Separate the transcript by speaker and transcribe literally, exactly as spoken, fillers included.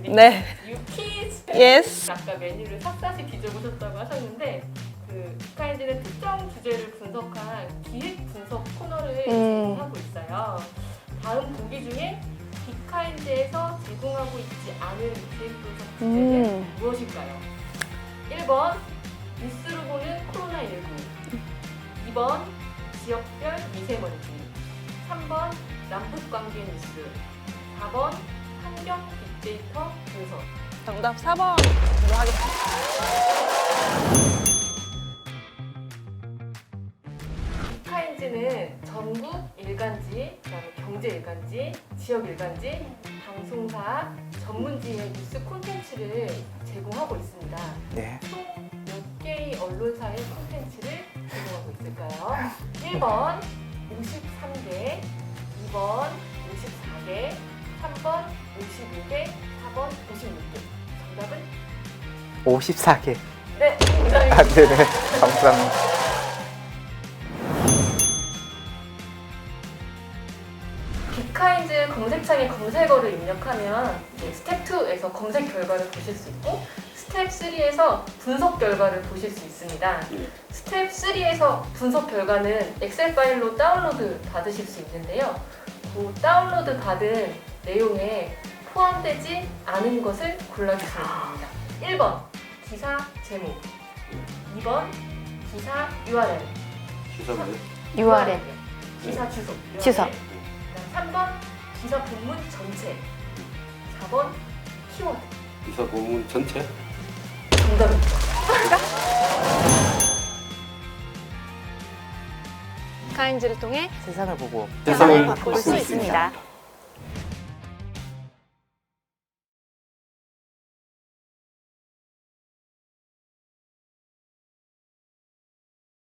Speaker 1: 네.
Speaker 2: 유키즈.
Speaker 1: Yes.
Speaker 2: 아까 메뉴를 샅샅이 뒤져보셨다고 하셨는데 그 비카인즈는 특정 주제를 분석한 기획 분석 코너를
Speaker 1: 음.
Speaker 2: 제공하고 있어요. 다음 보기 중에 비카인즈에서 제공하고 있지 않은 기획 분석 주제는
Speaker 1: 음.
Speaker 2: 무엇일까요? 일 번 뉴스로 보는 코로나십구, 이 번 지역별 미세먼지, 삼 번 남북관계 뉴스, 사 번 환경 빅데이터 분석.
Speaker 1: 정답 사 번으로 하겠습니다.
Speaker 2: 비카인즈는 전국 일간지, 그다음에 경제 일간지, 지역 일간지, 방송사, 전문지의 뉴스 콘텐츠를 제공하고 있습니다.
Speaker 3: 네.
Speaker 2: 총 몇 개의 언론사의 콘텐츠를 제공하고 있을까요? 일 번 오십삼 개, 이 번 오십사 개, 삼 번 오십오 개, 사 번 오십육 개. 정답은?
Speaker 3: 오십사 개.
Speaker 2: 네,
Speaker 3: 아,
Speaker 2: 정답입니다.
Speaker 3: 네네. 감사합니다.
Speaker 2: 비카인즈 검색창에 검색어를 입력하면 이제 스텝 이에서 검색 결과를 보실 수 있고 스텝 삼에서 분석 결과를 보실 수 있습니다. 스텝 삼에서 분석 결과는 엑셀 파일로 다운로드 받으실 수 있는데요. 그 다운로드 받은 내용에 포함되지 않은 것을 골라주시면 됩니다. 일 번 기사 제목, 이 번 기사 유알엘,
Speaker 4: 시사가요?
Speaker 1: 유알엘.
Speaker 2: 기사 주소,
Speaker 1: 주소.
Speaker 2: 삼 번 기사 본문 전체, 사 번 키워드.
Speaker 4: 기사 본문 전체?
Speaker 2: 정답입니다.
Speaker 1: 카인즈를 통해
Speaker 3: 세상을 보고
Speaker 4: 세상을
Speaker 1: 볼 수 있습니다.